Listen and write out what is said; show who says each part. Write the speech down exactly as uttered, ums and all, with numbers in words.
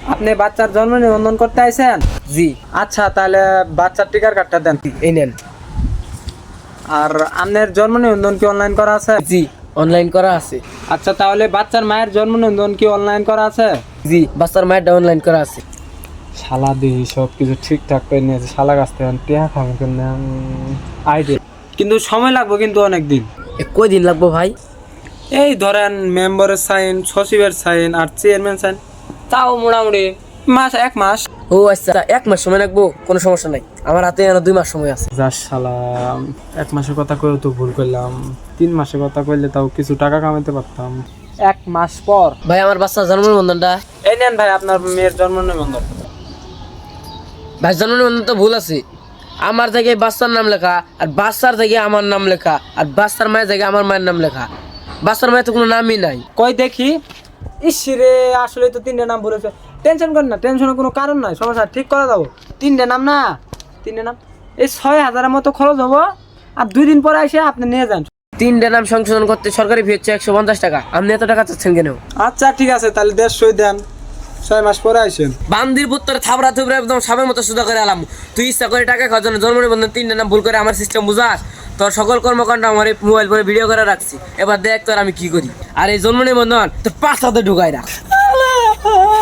Speaker 1: আপনি বাচ্চার জন্ম নিবন্ধন করতে আইছেন?
Speaker 2: জি।
Speaker 1: আচ্ছা, তাহলে বাচ্চার টিকার কার্ডটা দেন।
Speaker 2: এই নেন।
Speaker 1: আর আপনার জন্ম নিবন্ধন কি অনলাইন করা আছে?
Speaker 2: জি, অনলাইন করা আছে।
Speaker 1: আচ্ছা, তাহলে বাচ্চার মায়ের জন্ম নিবন্ধন কি অনলাইন করা আছে?
Speaker 2: জি, বাচ্চার মায়েরটা অনলাইন করা আছে।
Speaker 1: শালা দিহি সব কিছু ঠিকঠাক করে নিয়েছে, শালা কাছ থেকে টিয়া খাবো কিন্তু আইডিয়া, কিন্তু সময় লাগবে কিন্তু অনেক দিন।
Speaker 2: এ কয় দিন লাগবো ভাই?
Speaker 1: এই ধরেন মেম্বারের সাইন, সচিবের সাইন আর চেয়ারম্যান সাইন, তাও মোটামুটি মাস এক মাস।
Speaker 2: ও আচ্ছা, এক মাস সময় লাগবো, কোনো সমস্যা নাই। আমার হাতে আরো দুই মাস সময় আছে।
Speaker 1: যাস শালা, এক মাসের কথা কয়েও তো ভুল করলাম, তিন মাসের কথা কইলে তাও কিছু টাকা কামাইতে পারতাম। এক মাস পর
Speaker 2: ভাই আমার বাচ্চার জন্ম নিবন্ধনটা।
Speaker 1: এই নেন ভাই আপনার মেয়ের জন্ম নিবন্ধন।
Speaker 2: ভাই জন্ম নিবন্ধন তো ভুল আছে। আমার জায়গায় বাচ্চার নাম লেখা, আর বাচ্চার জায়গায় আমার নাম লেখা, আর বাচ্চার মায়ের জায়গায় আমার মায়ের নাম লেখা। বাচ্চার মায়ের তো কোনো নামই নাই।
Speaker 1: কই দেখি। ইসরে, আসলে তো তিনটে নাম বলেছে। টেনশন করেন না, টেনশনের কোনো কারণ নাই, সমস্যা ঠিক করে দেবো। তিনটে নাম না, তিনটে নাম, এই ছয় হাজারের মতো খরচ হবো। আর দুই দিন পরে এসে আপনি নিয়ে যান।
Speaker 2: তিনটা নাম সংশোধন করতে সরকারি ফি হচ্ছে একশো পঞ্চাশ টাকা। আপনি এত টাকা চাচ্ছেন কেন?
Speaker 1: আচ্ছা ঠিক আছে, তাহলে দেড়শোই দেন, ছয় মাস পরে আসেন।
Speaker 2: বান্দির পুত্র থাবড়া থুবড়া একদম সাবের মতো সুদা করে আলাম। তুই ইচ্ছা করে টাকা খাওয়ার জন্য জন্ম নিবন্ধন তিনটা নাম ভুল করে আমার সিস্টেম বুঝাস। তোর সকল কর্মকাণ্ড আমার এই মোবাইল ফোনে ভিডিও করে রাখছি। এবার দেখ তোর আমি কি করি। আর এই জন্ম নিবন্ধন তোর পাঁচ হাতে ঢুকাই রাখ।